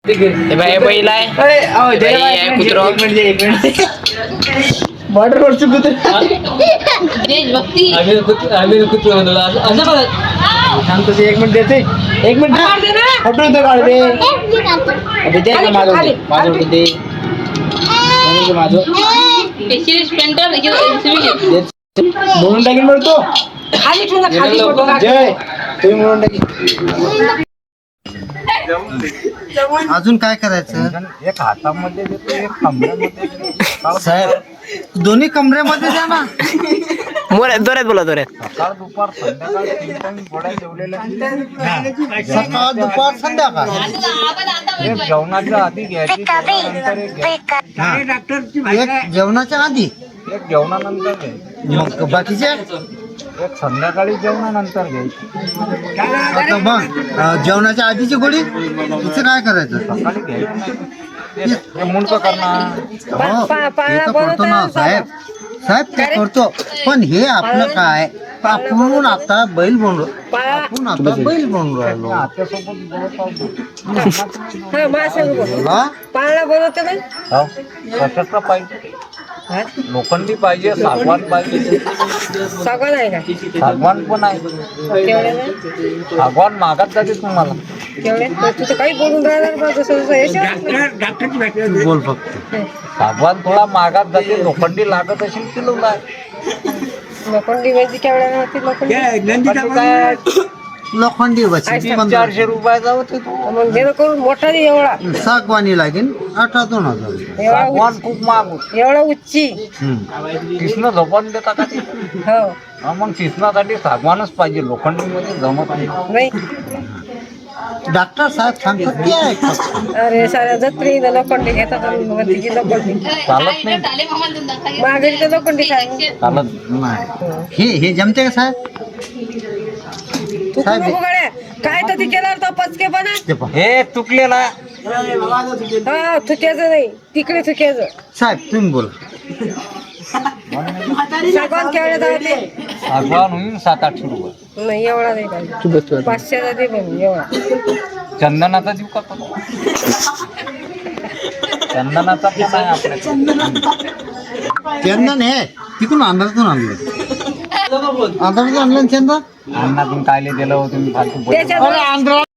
बैल आहे कुत्रो बॉर्डरवरचं कुत्र देशभक्ती आम्ही कुत्र म्हणतो असं बघ सांगतो ते 1 मिनिट देते 1 मिनिट हटून तर काढ दे अबे दे ना माझं माझं दे माझं म्हणून टाकीन म्हणतो खाली ठेवून खाली जय तुम्ही म्हणून टाकी अजून काय करायचं एक हातामध्ये देतो एक कमऱ्यामध्ये साहेब दोन्ही कमरेमध्ये द्या ना दोऱ्यात बोला दोऱ्यात सकाळ दुपार संध्याकाळ 3 टाइम गोळ्या जेवलेल्या सकाळ दुपार संध्याकाळ एक जेवणाच्या आधी घ्यायची जेवणानंतर एक घ्यायची. एक जेवणाच्या आधी एक जेवणानंतर घ्यायची मग बाकीचे एक संध्याकाळी जेवणानंतर घ्यायची आता बघ जेवणाच्या आधीची गोळी तिचं काय करायचं सकाळी घ्यायची नाही ते मुंडकं करणार हो, ते तर करतो ना साहेब साहेब ते करतो पण हे आपलं काय आपण आता बैल बनलो आपण आता बैल बनून राहिलो आत्यासोबत बोलत आहोत. बोला. पाळणा बनवते ना हो, कशाचं पाहिजे लोखंडी पाहिजे सागवान पाहिजे सगळं आहे का सागवान पण आहे तेवढे ना सागवान मागात जाते तुम्हाला तेवढे तुझं काही बोलून राहिलं ना जसं जसं बोल फक्त सागवान थोडा मागात जाते लोखंडी लागत असेल किलोला लोखंडी म्हणजे केवढ्या होती लोखंडी काय लोखंडी वची 400 रुपयाचा होते तो मग घेणं करून मोठा नाही एवढा सागवानी लागेल 18,000 एवढा सागवान खूप महाग होत एवढा उच्ची कृष्ण झोपण देता का ते हो हा, मग कृष्णासाठी सागवानच पाहिजे लोखंडी मध्ये जमत नाही नाही डॉक्टर साहेब सांगतात ते आहे फक्त. अरे साऱ्या जत्री लोखंडी घेतात आणि म्हणते की लोखंडी चालत नाही मागे तर लोखंडी काय चालत नाही हे जमते का साहेब तू साहेब, नको गड्या काय तर ती केल्यावर तो पचकेपणा ते पहा. हे चुकलेला हा थुक्याचं नाही तिकडे थुक्याचं साहेब तुम्ही बोला सागवान केवढ्या जाते सागवान होईल 700-800 रुपये नाही एवढा नाही पाहिजे 500 दे पण एवढा चंदनाचा जीव का चंदनाचा पण आहे आपल्याकडे चंदन हे तिकडून आंध्रातून आणलं आंध्रातून आणलं ना चंदन अन्नातून कायले दिलं होतं मी फालतू बोललो. त्याच्यात आंध्रा